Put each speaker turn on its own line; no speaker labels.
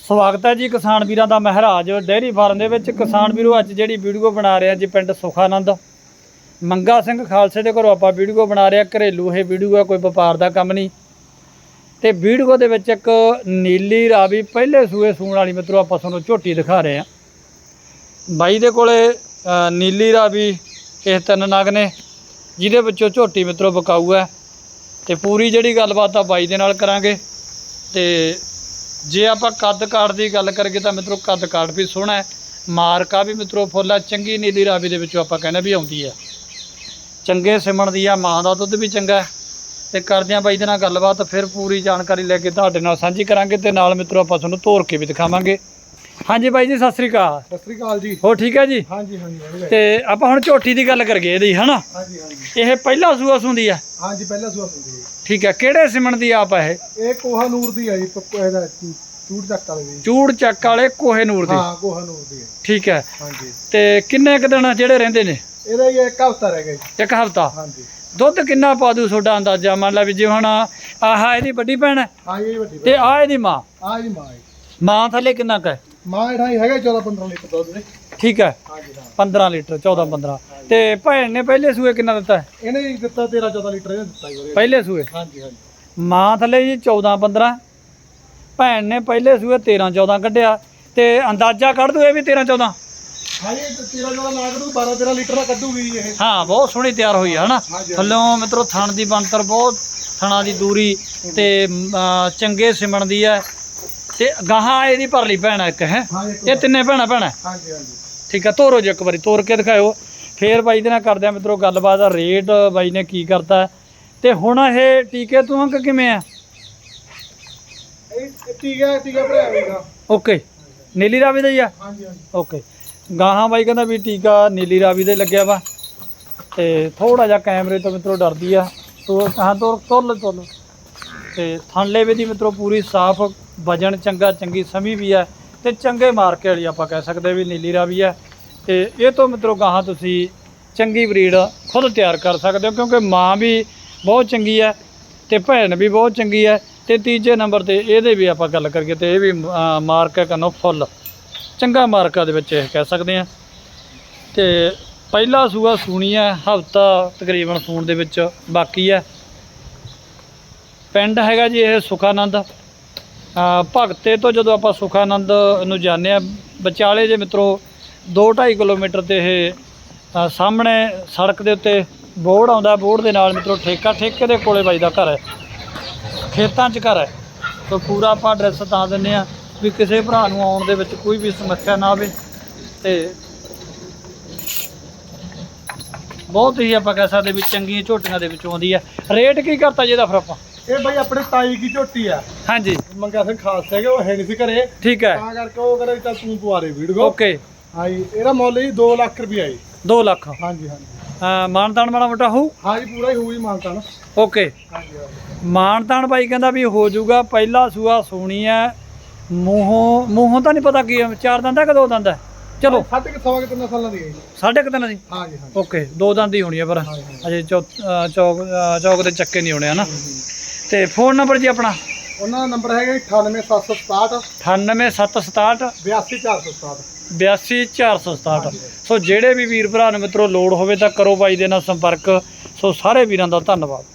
ਸਵਾਗਤ ਹੈ ਜੀ ਕਿਸਾਨ ਵੀਰਾਂ ਦਾ ਮਹਾਰਾਜ ਡੇਅਰੀ ਫਾਰਮ ਦੇ ਵਿੱਚ। ਕਿਸਾਨ ਵੀਰੋ ਅੱਜ ਜਿਹੜੀ ਵੀਡੀਓ ਬਣਾ ਰਹੇ ਆ ਜੀ ਪਿੰਡ ਸੁਖਾਨੰਦ ਮੰਗਾ ਸਿੰਘ ਖਾਲਸੇ ਦੇ ਘਰੋਂ ਆਪਾਂ ਵੀਡੀਓ ਬਣਾ ਰਹੇ ਆ। ਘਰੇਲੂ ਇਹ ਵੀਡੀਓ ਆ, ਕੋਈ ਵਪਾਰ ਦਾ ਕੰਮ ਨਹੀਂ। ਤੇ ਵੀਡੀਓ ਦੇ ਵਿੱਚ ਇੱਕ ਨੀਲੀ ਰਾਵੀ ਪਹਿਲੇ ਸੂਏ ਸੂਣ ਵਾਲੀ ਮਿੱਤਰੋ ਆਪਾਂ ਤੁਹਾਨੂੰ ਝੋਟੀ ਦਿਖਾ ਰਹੇ ਆ। ਬਾਈ ਦੇ ਕੋਲੇ ਨੀਲੀ ਰਾਵੀ ਇਹ 3 ਨਗ ਨੇ, ਜਿਹਦੇ ਵਿੱਚੋਂ ਝੋਟੀ ਮਿੱਤਰੋ ਵਿਕਾਊ ਹੈ। ਤੇ ਪੂਰੀ ਜਿਹੜੀ ਗੱਲਬਾਤ ਆ ਬਾਈ ਦੇ ਨਾਲ ਕਰਾਂਗੇ। ਤੇ ਜੇ ਆਪਾਂ ਕੱਦ ਕਾਠ ਦੀ ਗੱਲ ਕਰੀਏ ਤਾਂ ਮਿੱਤਰੋ ਕੱਦ ਕਾਠ ਵੀ ਸੋਹਣਾ ਹੈ, ਮਾਰਕਾ ਵੀ ਮਿੱਤਰੋ ਫੁੱਲ ਆ। ਚੰਗੀ ਨੀਲੀ ਰਾਵੀ ਦੇ ਵਿੱਚੋਂ ਆਪਾਂ ਕਹਿੰਦੇ ਵੀ ਆਉਂਦੀ ਹੈ, ਚੰਗੇ ਸਿਮਣ ਦੀ ਆ, ਮਾਂ ਦਾ ਦੁੱਧ ਵੀ ਚੰਗਾ ਹੈ। ਤੇ ਕਰਦੇ ਹਾਂ ਬਾਈ ਦੇ ਨਾਲ ਗੱਲਬਾਤ, ਫਿਰ ਪੂਰੀ ਜਾਣਕਾਰੀ ਲੈ ਕੇ ਤੁਹਾਡੇ ਨਾਲ ਸਾਂਝੀ ਕਰਾਂਗੇ। ਤੇ ਨਾਲ ਮਿੱਤਰੋ ਆਪਾਂ ਤੁਹਾਨੂੰ ਤੋਰ ਕੇ ਵੀ ਦਿਖਾਵਾਂਗੇ। ਹਾਂਜੀ ਬਾਈ ਜੀ, ਸਤਿ ਸ੍ਰੀ ਅਕਾਲ।
ਸਤਿ ਸ੍ਰੀ ਅਕਾਲ ਜੀ।
ਹੋ ਠੀਕ ਹੈ ਜੀ?
ਹਾਂਜੀ ਹਾਂਜੀ।
ਤੇ ਆਪਾਂ ਹੁਣ ਝੋਟੀ ਦੀ ਗੱਲ ਕਰੀਏ ਇਹਦੀ, ਹਨਾ?
ਹਾਂਜੀ ਹਾਂਜੀ।
ਇਹ ਪਹਿਲਾ ਸੂਆ ਸੁੰਦੀ ਆ?
ਹਾਂਜੀ ਪਹਿਲਾ ਸੂਆ ਸੁੰਦੀ ਹੈ।
ਠੀਕ ਹੈ। ਕਿਹੜੇ ਸਿਮਣ ਦੀ ਆਪ ਹੈ
ਇਹ ਕੋਹਾ ਨੂਰ ਦੀ ਹੈ ਜੀ, ਇਹਦਾ ਚੂੜ ਚੱਕ ਵਾਲੇ ਦੀ।
ਚੂੜ ਚੱਕ ਵਾਲੇ ਕੋਹੇ ਨੂਰ ਦੀ?
ਹਾਂ ਕੋਹਾ ਨੂਰ ਦੀ ਹੈ।
ਠੀਕ ਹੈ।
ਹਾਂਜੀ।
ਤੇ ਕਿੰਨੇ ਕੁ ਦਿਨ ਜਿਹੜੇ ਰਹਿੰਦੇ ਨੇ?
ਇਹਦਾ ਹੀ 1 ਹਫ਼ਤਾ ਰਹਿ ਗਿਆ ਜੀ।
1 ਹਫ਼ਤਾ?
ਹਾਂਜੀ।
ਦੁੱਧ ਕਿੰਨਾ ਪਾ ਦੂ ਤੁਹਾਡਾ ਅੰਦਾਜ਼ਾ? ਮੰਨ ਲਾ ਵੀ ਜੇ ਹੁਣ ਆਹ ਇਹਦੀ ਵੱਡੀ ਭੈਣ ਹੈ
ਹਾਂ ਇਹ ਵੱਡੀ
ਤੇ ਆਹ ਇਹਦੀ ਮਾਂ?
ਆ ਜੀ ਮਾਂ ਹੈ।
ਮਾਂ ਥੱਲੇ ਕਿੰਨਾ ਕੁ ਹੈ?
ਮਾਂ ਇਹਦਾ ਹੀ ਹੈਗਾ 14-15 ਲੀਟਰ ਦੁੱਧ ਦੇ।
ਠੀਕ ਹੈ।
ਹਾਂਜੀ ਹਾਂ।
15 ਲੀਟਰ 14-15। ਤੇ ਭੈਣ ਨੇ ਪਹਿਲੇ ਸੂਏ ਕਿੰਨਾ ਦਿੱਤਾ ਹੈ?
ਇਹਨੇ ਹੀ ਦਿੱਤਾ 13-14 ਲੀਟਰ ਇਹਨੇ ਦਿੱਤਾ ਜੀ
ਪਹਿਲੇ ਸੂਏ?
ਹਾਂਜੀ ਹਾਂਜੀ।
ਮਾਂ ਥੱਲੇ ਜੀ 14-15, ਭੈਣ ਨੇ ਪਹਿਲੇ ਸੂਏ 13-14 ਕੱਢਿਆ। ਤੇ ਅੰਦਾਜ਼ਾ ਕੱਢ ਦੂ ਇਹ ਵੀ 13-14?
ਹਾਂ ਇਹ 13-14 ਨਾ ਕੱਢੂ, 12-13 ਲੀਟਰ ਦਾ ਕੱਢੂਗੀ ਇਹ।
ਹਾਂ ਬਹੁਤ ਸੋਹਣੀ ਤਿਆਰ ਹੋਈ ਹੈ, ਹਨਾ? ਥੱਲੋਂ ਮਿੱਤਰੋ ਥਣ ਦੀ ਬਣਤਰ ਬਹੁਤ, ਥਣਾ ਦੀ ਦੂਰੀ ਤੇ ਚੰਗੇ ਸਿਮਣ ਦੀ ਹੈ। ਤੇ ਗਾਹਾਂ ਇਹਦੀ ਭਰਲੀ ਭੈਣ ਹੈ ਇੱਕ, ਹੈ? ਇਹ ਤਿੰਨੇ ਭੈਣਾਂ?
ਹਾਂਜੀ ਹਾਂਜੀ।
ਠੀਕ ਹੈ। ਤੋਰੋ ਜੀ ਇੱਕ ਵਾਰੀ, ਤੋਰ ਕੇ ਦਿਖਾਇਓ। ਫੇਰ ਬਾਈ ਦੇ ਨਾਲ ਕਰਦੇ ਆ ਮਿੱਤਰੋ ਗੱਲਬਾਤ। ਰੇਟ ਬਾਈ ਨੇ ਕੀ ਕਰਤਾ ਤੇ ਹੁਣ ਇਹ ਟੀਕੇ ਤੋਂ ਅੰਕ ਕਿਵੇਂ ਆ?
ਇਹ ਟੀਕਾ ਭਰਿਆ ਹੋਏਗਾ।
ਓਕੇ। ਨੀਲੀ ਰਾਵੀ ਦਾ ਹੀ ਆ?
ਹਾਂਜੀ ਹਾਂਜੀ।
ਓਕੇ। ਗਾਹਾਂ ਬਾਈ ਕਹਿੰਦਾ ਵੀ ਟੀਕਾ ਨੀਲੀ ਰਾਵੀ ਦੇ ਲੱਗਿਆ ਵਾ। ਤੇ ਥੋੜਾ ਜਿਹਾ ਕੈਮਰੇ ਤੋਂ ਮਿੱਤਰੋ ਡਰਦੀ ਆ। ਹਾਂ ਤੋਰ ਲਓ। ਤੇ ਥਣਲੇ ਵੀ ਦੀ ਮਿੱਤਰੋ ਪੂਰੀ ਸਾਫ਼, ਵਜਨ ਚੰਗਾ, ਚੰਗੀ ਸਮੀ ਵੀ ਹੈ ਤੇ ਚੰਗੇ ਮਾਰਕੇ ਵਾਲੀ ਆਪਾਂ ਕਹਿ ਸਕਦੇ ਵੀ ਨੀਲੀ ਰਾਵੀ ਹੈ। ਤੇ ਇਹ ਤੋਂ ਮਿੱਤਰੋ ਗਾਹਾਂ ਤੁਸੀਂ ਚੰਗੀ ਬਰੀਡ ਖੁਦ ਤਿਆਰ ਕਰ ਸਕਦੇ ਹੋ, ਕਿਉਂਕਿ ਮਾਂ ਵੀ ਬਹੁਤ ਚੰਗੀ ਹੈ ਤੇ ਭੈਣ ਵੀ ਬਹੁਤ ਚੰਗੀ ਹੈ। ਤੇ ਤੀਜੇ ਨੰਬਰ ਤੇ ਇਹਦੇ ਵੀ ਆਪਾਂ ਗੱਲ ਕਰੀਏ ਤੇ ਇਹ ਵੀ ਮਾਰਕਾ ਕੰਨੋਂ ਫੁੱਲ ਚੰਗਾ ਮਾਰਕਾ ਦੇ ਵਿੱਚ ਇਹ ਕਹਿ ਸਕਦੇ ਹਾਂ। ਤੇ ਪਹਿਲਾ ਸੂਆ ਸੂਣੀ ਹੈ, ਹਫ਼ਤਾ ਤਕਰੀਬਨ ਸੂਣ ਦੇ ਵਿੱਚ ਬਾਕੀ ਹੈ। ਪਿੰਡ ਹੈਗਾ ਜੀ ਇਹ ਸੁਖਾਨੰਦ। ਭਗਤੇ ਤੋਂ ਜਦੋਂ ਆਪਾਂ ਸੁਖਾਨੰਦ ਨੂੰ ਜਾਂਦੇ ਹਾਂ, ਵਿਚਾਲੇ ਜੇ ਮਿੱਤਰੋ 2-2.5 ਕਿਲੋਮੀਟਰ ਤੇ ਇਹ ਸਾਹਮਣੇ ਸੜਕ ਦੇ ਉੱਤੇ ਬੋਰਡ ਆਉਂਦਾ। ਬੋਰਡ ਦੇ ਨਾਲ ਮਿੱਤਰੋ ਠੇਕੇ ਦੇ ਕੋਲੇ ਬਾਈ ਦਾ ਘਰ ਹੈ, ਖੇਤਾਂ 'ਚ ਘਰ ਹੈ। ਤਾਂ ਪੂਰਾ ਆਪਾਂ ਐਡਰੈਸ ਤਾਂ ਦਿੰਦੇ ਹਾਂ ਵੀ ਕਿਸੇ ਭਰਾ ਨੂੰ ਆਉਣ ਦੇ ਵਿੱਚ ਕੋਈ ਵੀ ਸਮੱਸਿਆ ਨਾ ਆਵੇ। ਤੇ ਬਹੁਤ ਹੀ ਆਪਾਂ ਕਹਿ ਸਕਦੇ ਵੀ ਚੰਗੀਆਂ ਝੋਟੀਆਂ ਦੇ ਵਿੱਚੋਂ ਆਉਂਦੀ ਹੈ। ਰੇਟ ਕੀ ਕਰਤਾ ਜੀ ਇਹਦਾ ਫਿਰ ਆਪਾਂ?
ਇਹ ਬਾਈ ਆਪਣੇ ਤਾਈ ਦੀ ਝੋਟੀ ਆ।
ਹਾਂਜੀ।
ਮੰਗਾ ਸਿੰਘ ਖਾਲਸਾ ਹੈਗੇ, ਉਹ ਹੈ ਨਹੀਂ ਸੀ ਘਰੇ।
ਠੀਕ ਹੈ।
ਤਾਂ ਕਰਕੇ ਉਹ ਕਰੇ ਤਾਂ ਤੂੰ ਪਵਾ ਦੇ ਵੀਡੀਓ।
ਓਕੇ।
ਹਾਂਜੀ। ਇਹਦਾ ਮੁੱਲ ਜੀ 2 ਲੱਖ ਰੁਪਇਆ ਜੀ।
2 ਲੱਖ?
ਹਾਂਜੀ ਹਾਂਜੀ।
ਮਾਨਤਾਨ ਮਾੜਾ ਮੋਟਾ ਹੋਊ?
ਹਾਂਜੀ ਪੂਰਾ ਹੀ ਹੋਊ ਜੀ ਮਾਨਤਾਨ।
ਓਕੇ।
ਹਾਂਜੀ ਹਾਂਜੀ।
ਮਾਨਤਾਨ ਬਾਈ ਕਹਿੰਦਾ ਵੀ ਹੋ ਜਾਊਗਾ। ਪਹਿਲਾ ਸੂਆ ਸੂਣੀ ਹੈ। ਮੂੰਹੋਂ ਤਾਂ ਨਹੀਂ ਪਤਾ ਕੀ 4 ਦੰਦ ਹੈ ਕਿ 2 ਦੰਦ ਹੈ? ਚਲੋ
3.5 ਸਾਲਾਂ ਦੀ ਹੈ ਜੀ।
3.5 ਦੀ?
ਹਾਂਜੀ ਹਾਂਜੀ।
ਓਕੇ। 2 ਦੰਦ ਹੀ ਹੋਣੀ ਹੈ, ਪਰ ਅਜੇ ਚੌਕ ਦੇ ਚੱਕੇ ਨਹੀਂ ਹੋਣੇ, ਹਨਾ? ਤੇ ਫੋਨ ਨੰਬਰ ਜੀ ਆਪਣਾ?
ਉਹਨਾਂ ਦਾ ਨੰਬਰ ਹੈਗਾ 98767
98767
82467
82467। ਸੋ ਜਿਹੜੇ ਵੀ ਵੀਰ ਭਰਾ ਨੂੰ ਮਿੱਤਰੋ ਲੋੜ ਹੋਵੇ ਤਾਂ ਕਰੋ ਬਾਈ ਦੇ ਨਾਲ ਸੰਪਰਕ। ਸੋ ਸਾਰੇ ਵੀਰਾਂ ਦਾ ਧੰਨਵਾਦ।